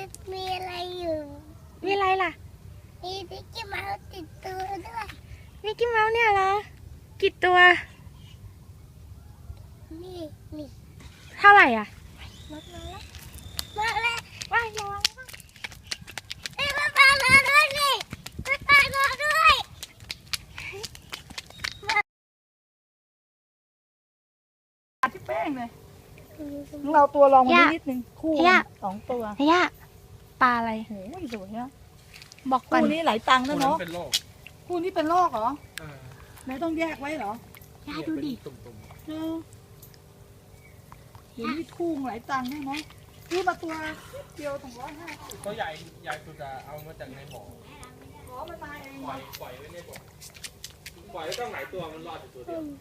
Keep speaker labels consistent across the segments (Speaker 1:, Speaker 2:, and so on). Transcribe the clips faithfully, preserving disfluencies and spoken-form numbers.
Speaker 1: มีอะไรอยู่
Speaker 2: มีอะไรล่ะ
Speaker 1: มีมิกกี้เมาส์ติดตัวด้วย
Speaker 2: มิกกี้เมาส์เนี่ยเหรอกี่ตัว
Speaker 1: นี่นี่
Speaker 2: เท่าไหร่อ่ะ
Speaker 1: มาแล้วมาแล้ว
Speaker 2: ว้ายระวัง
Speaker 1: เอ้ยมาปลามาด้วยนี่มาปลามาด้วย
Speaker 3: ที่แป้งเลยเราตัวลองมานิดนึงคู่สองตัว
Speaker 2: เฮียปลาอะไร
Speaker 3: โอ้ยสวยอะ
Speaker 2: บอกก่อน
Speaker 3: คู่นี้หลายตังค์นะเนาะ
Speaker 4: เป็นโรค
Speaker 3: คู่นี้เป็นโรคเหรอแล้วต้องแยกไว้เหร
Speaker 2: อย่าดูดิ
Speaker 3: เออเห็นที่คู่หลายตังค์เนี่ยเนาะซื้อมาตัวเดียวสองร้อยห้าสิบ
Speaker 4: ก็ใหญ่ใหญ่สุดอะเอามาจากในบ่อ
Speaker 3: ขอมันมาเอง
Speaker 4: ปล่อยปล่อยไว้ในบ่อปล่อยแล้วต้องหลายตัวมันรอดอยู่ตัวเดียว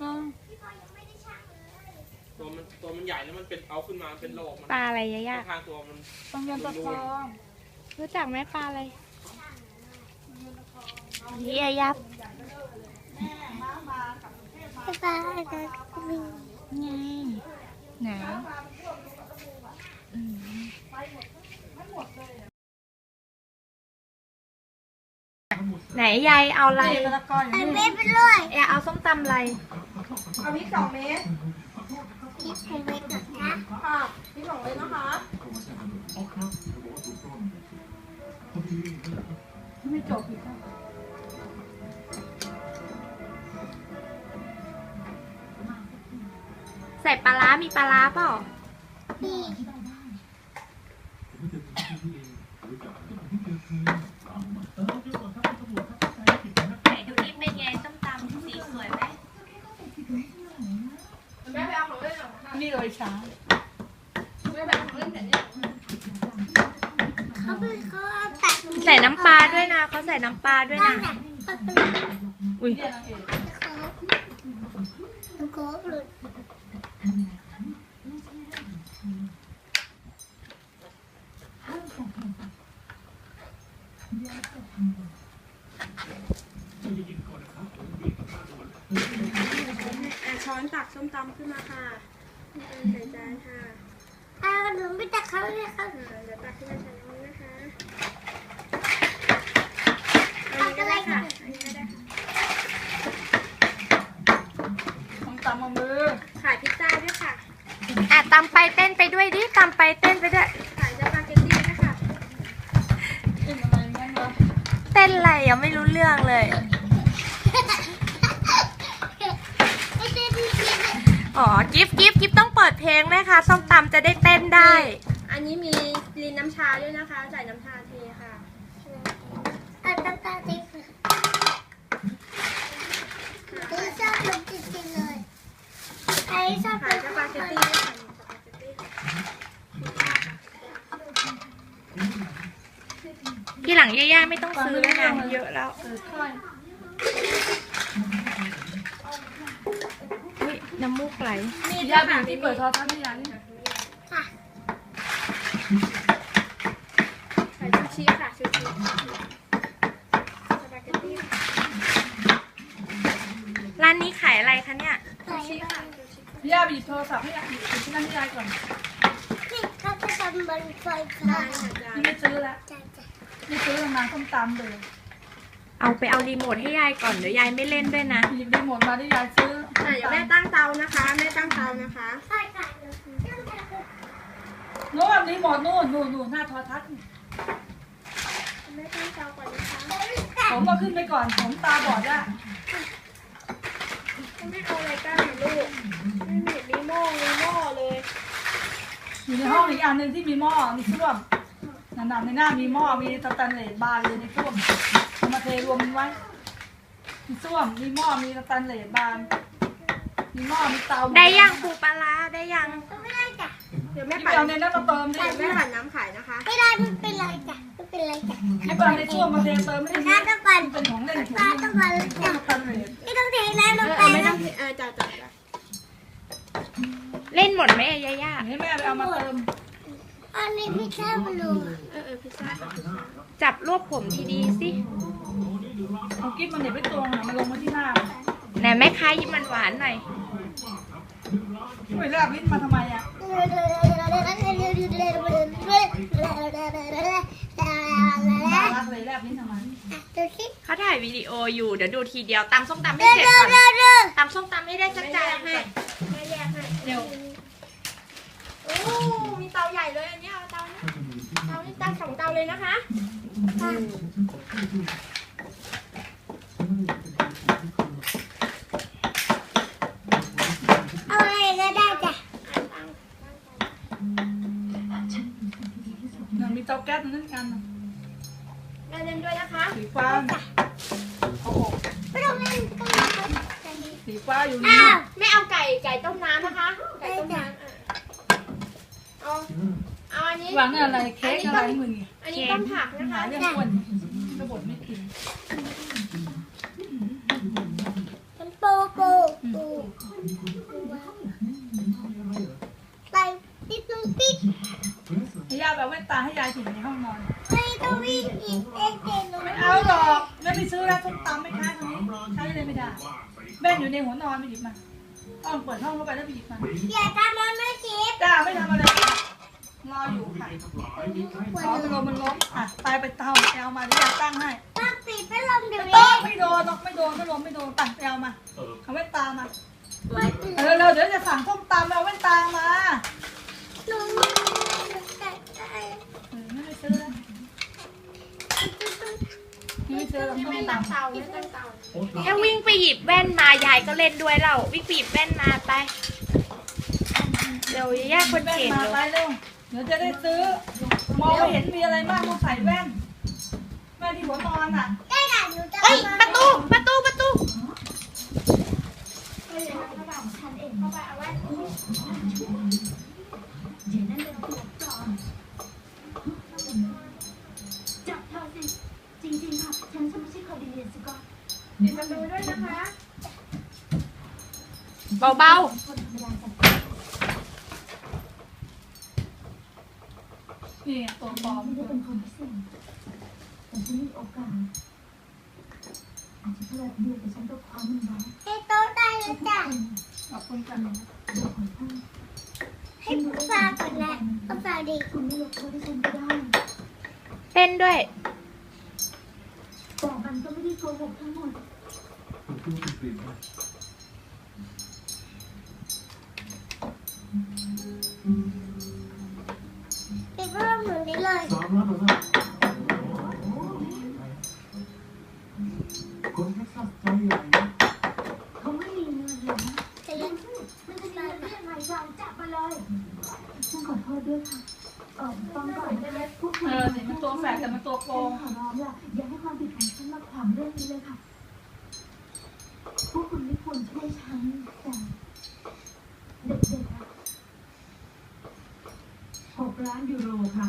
Speaker 4: ตัวมันตัวมันใหญ่แล้วมันเป็นเอาขึ้นมาเป็นโรคมัน
Speaker 2: ปลาอะไรย่า
Speaker 4: ทางตัวมัน
Speaker 3: ต้องเงินตะทอง
Speaker 2: รู้จักไหมปลาอะไรเฮียยับ
Speaker 1: ปลาอะไรมี
Speaker 2: ไงไหนไหนยายเอาอะไร
Speaker 1: ไอเม็ดไปเลย
Speaker 2: ยายเอาส้มตำอะไร
Speaker 3: เอาพริกสองเม็ด
Speaker 1: พริกสองเม็ดนะคะ
Speaker 3: ค่ะพริกสองเม็ดนะคะไม่จบอีกค่ะ
Speaker 2: ใส่ปลาร้ามีปลาร้าเปล่า
Speaker 1: มี
Speaker 2: ไหนดูนี่เป็นไงส้มตำสีสวยไหม
Speaker 3: แม่ไปเอาของเล่นหรอนี่เลยช้าแม่ไปเอาของเล่นแต่เนี่ย
Speaker 1: เขาเป็นเขาเอาตัด
Speaker 2: ใส่น้ำปลาด้วยนะเขาใส่น้ำปลาด้วยนะอุ้ย
Speaker 1: โค้กหลุด
Speaker 3: ช้อนตักส้มตำขึ้นมาค่ะใส่จานค่ะ
Speaker 1: เอาหนูไม่ตักเขาเลยค่ะ
Speaker 3: เดี๋ยวตักขึ้นมาใส่น้ำนะคะ
Speaker 1: ตักอะไรค่ะ
Speaker 3: ส้มตำมามือขายพิซซ่าด้วยค่ะ
Speaker 2: อ่ะตำไปเต้นไปด้วยดิตำไปเต้นไปด้วย
Speaker 3: ขายสปาเกตตี้ด้วยค่ะเต้นอะไรงั้นวะ
Speaker 2: เต้นอะไรยังไม่รู้เรื่องเลยอ๋อกิฟกิฟกิฟต้องเปิดเพลงนะคะส้มตำจะได้เต้นได้
Speaker 3: อันนี้มีลินน้ำชาด้วยนะคะใส่น้ำชาเทค่ะ
Speaker 1: เอาน้ำตาลติ๊กคือชอบลงจริงๆเลยไอ้ชอบ
Speaker 3: ขายสปาเกตตี้ด้วยค่ะ
Speaker 2: ที่หลังย่าๆไม่ต้องซื้อแล้วนะเยอะแล้วน้ำมูกไหล
Speaker 3: มีย่าบีที่เปิดทอดท่าที่ร้านนี่
Speaker 1: ค่ะ
Speaker 3: ใส่ชูชีค่ะชูชีสปาเกตตี้
Speaker 2: ร้านนี้ขายอะไรคะเนี่ย
Speaker 3: ชูชีค่ะย่าบีโทรศัพท์ให้ย่าบีที่นั่นที่ร้านก่อน
Speaker 1: นี่เขาจะทำบนไฟฟ้า
Speaker 3: ที่ไม่ซื้อแล้วไม่ซื้อทำงานส้มตำเลย
Speaker 2: เอาไปเอารีโมทให้ยายก่อนเดี๋ยวยายไม่เล่นด้วยนะ
Speaker 3: หยิบรีโมทมาที่ยายซื้อแต่อย่าแม่ตั้งเตานะคะแม่ตั้งเตานะคะ
Speaker 1: ใช่ค่ะ
Speaker 3: โน่นรีโมทโน่นนู่นนู่นหน้าโทรทัศน์
Speaker 1: แม่ตั้งเตาก่อนนะคะ
Speaker 3: ผมมาขึ้นไปก่อนผมตาบอดอะ
Speaker 1: ไม่เอาอะไรตั้งลูกไม่เห็นมีหม้อมีหม้อเลย
Speaker 3: อยู่ในห้องอีกอันหนึ่งที่มีหม้อมีส้วมหนาๆในหน้ามีหม้อมีสแตนเลสบาร์เลยในส้วมเอามาเทรวมไว้มีส้วมมีหม้อมีสแตนเลสบาร์มีหม้อมีเตา
Speaker 2: ได้ยังปูปลาได้ยัง
Speaker 1: ไม่ได้จ้ะ
Speaker 3: เดี๋ยวแม่ปั่นเอาในนั้นมาเติมดิแม่ปั่นน้ำขายนะคะ
Speaker 1: ไม่ได้ไม่เป็นไรจ้ะไม่เป็นไรจ้ะ
Speaker 3: ไม่ปั่นในส้วมมาเทเติมไม่ได้
Speaker 1: ต้องปั่น
Speaker 3: เป็นของเล่นถุง
Speaker 1: ต้องปั่นไม่ต้องเทน้ำลงไป
Speaker 3: ไม่ต้องเออจ่าจ่า
Speaker 2: เล่นหมดไหมย่าย่า
Speaker 3: ให้แม่ไปเอามาเติม
Speaker 1: อันนี้พิซซ่ามาลง
Speaker 3: เออเออพิซซ่า
Speaker 2: จับรวบผมดีๆสิ
Speaker 3: เอากิ๊บมันเดี๋ยวไปตรงอ่ะมันลงมาที่หน้า
Speaker 2: ไหนแม่ค้ายิ้มหวานๆหน่อย
Speaker 3: ไปแลบลิ้นมาทำไมอ่ะาทะเลแลบนี่ทำไม
Speaker 1: อ่ะดูสิ
Speaker 2: เขาถ่ายวิดีโออยู่ เดี๋ยวดูทีเดียวตำส้มตำให้
Speaker 1: ดู
Speaker 2: เสร็จ
Speaker 1: ดู
Speaker 2: ก่อน
Speaker 1: ดูดู
Speaker 2: ตำส้มตำให้ได้สักจานให้
Speaker 1: ไม่แยกให้
Speaker 2: เร็ว โอ้มีเตาใหญ่เลยอันนี้เอาเตานี้เตานี้ตั้งสองเตาเลยนะคะ
Speaker 1: เอาอะไรก็ได้จ้ะ
Speaker 3: มันมีเตาแก๊สนั่นกัน
Speaker 2: แม่เล่นด้วยนะคะ
Speaker 3: สีฟ้าเอาออก
Speaker 1: ไม่ต้องเล่นก็ได้
Speaker 3: สีฟ้าอยู่นี่
Speaker 1: อ้าว
Speaker 2: ไม่เอาไก่ไก่ต้มน้ำนะคะ ไก่ต้มน้ำอ่ะเอาเอาอันนี้
Speaker 3: วางเนี่ยอะไรเค้กอะไรมึงเนี่ย
Speaker 2: อันนี้ต้มผักนะ
Speaker 3: หา
Speaker 2: คะ
Speaker 3: เรื่องอ้วนกระบดไม่กิน
Speaker 1: มันปูปูปูไปติดตรงติด
Speaker 3: ให้ย่าแบบแว่นตาให้ยายถึงในห้องนอน
Speaker 1: ไม่ต้องวิ่งอีกเอ็กเอ็น
Speaker 3: ไม่เอาหรอกไม่ไปซื้อแล้วส้มตำไม่ค้าตรงนี้ใช้เลยไม่ได้แม่อยู่ในหัวนอนไปหยิบมาต้องเปิดห้องเข้าไปแล้วไปหยิบมา
Speaker 1: อย่าทำมันไม่คิด
Speaker 3: จ้าไม่ทำอะไรรออยู่ค่ะขอมันลมมันล้มอ่ะไปไปเตาไปเอามาที่ยาตั้งให้
Speaker 1: ต้องปิดพัดลมเดี๋ยว
Speaker 3: ไม่
Speaker 1: นี้
Speaker 3: ไม่โดนหรอกไม่โดนไม่ลมไม่โดนปั่นไปเอามาเอาแว่นตามา
Speaker 1: ไม่ปิด
Speaker 3: เร็วๆเดี๋ยวจะสั่งส้มตำเอาแว่นตามา
Speaker 1: หนูแต่ได้
Speaker 3: เออไม่ไปซื้อแล้วไม่ซื้อแล้วส้ม
Speaker 2: ไม่
Speaker 3: ต
Speaker 2: ตั้งเตาไม่ตั้งเตาแค่วิ่งไปหยิบแว่นมายายก็เล่นด้วยแล้ววิ่งไปหยิบแว่นมาไปเดี๋ยวย่าคน
Speaker 3: ำแว่น
Speaker 2: เก่ง
Speaker 3: มา
Speaker 2: เล
Speaker 3: ไป
Speaker 2: ย
Speaker 3: เร็วเดี๋ยวจะได้ซื้อ มองไม่เห็นมีอะไรมากต้องใส่แว่นแว่นที่หัวนอนอ่ะ
Speaker 1: ได้ค่ะหนูจะ
Speaker 2: เอ้ย
Speaker 1: มา
Speaker 2: ประตูประตูประตู
Speaker 5: จับเธอสิ จริงๆ ค่ะ ฉันจะไม่ใช่คอร์ดิเนตสกอต
Speaker 2: ปิดประตูด้วยนะคะเบา
Speaker 5: คนธรรมดาจัด
Speaker 3: นี่ไงตัวปลอม
Speaker 5: ไม่ได้เป็นคนพิเศษแต่ฉันมีโอกาส อาจจะแค่แบบเดียวแต่ฉันก็คว้ามันไว้
Speaker 1: ให้โต๊ะได้เลยจ้ะ
Speaker 3: ขอบคุณกัน
Speaker 5: ตัวของท่าน
Speaker 1: ให้ฝากก่อนนะก็ฝากดี
Speaker 5: คุณไม่ยกโทษให้ฉันก็ได้
Speaker 2: ๆเต้นด้วย
Speaker 5: แต่มันก็ไม่ได้โกหกทั้งหมด
Speaker 1: ปิดพัดลมหนูนี้เลย
Speaker 6: คนเท็กซัสใจใหญ่
Speaker 5: เขาไม่มีเงินเลยนะ
Speaker 1: จะยัง
Speaker 5: มันจะมีเงินได้ยังไงเราจับมาเลยฉันขอโทษด้วยค่ะเออฟังก่อนได้ไหมพวกคุ
Speaker 3: เอ
Speaker 5: ณ
Speaker 3: อสิมันตัวแฝดแต่มันตัวโกง
Speaker 5: ขอร้องล่ะอย่าให้ความผิดของฉันมาขวางเรื่องนี้เลยค่ะ พวกคุณไม่ควรช่วยฉันแต่เด็กๆอะหกล้านยูโรค่ะ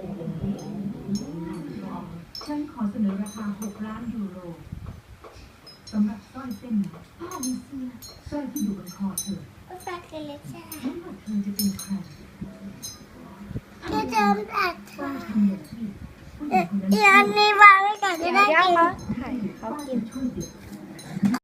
Speaker 5: ฉันขอเสนอราคาหกล้านยูโรสำหรับสร้อยเส้นนี้พ่อมีเสื้อสร้อยที่อยู่บนคอเธอ
Speaker 1: ก็ฝากกันเลยจ้ะ
Speaker 5: ไม่ว่าเธอจะเป็นใคร
Speaker 1: เดี๋ยวจะอัด
Speaker 5: ต้อ
Speaker 1: ค่ะ
Speaker 5: งทำอย่างที่ผู้หญิ
Speaker 1: เอ่
Speaker 5: ง
Speaker 1: อ
Speaker 5: คนนั้น
Speaker 1: อีกอันนี้วางไว้ก่อนจะได้กิน
Speaker 5: เธ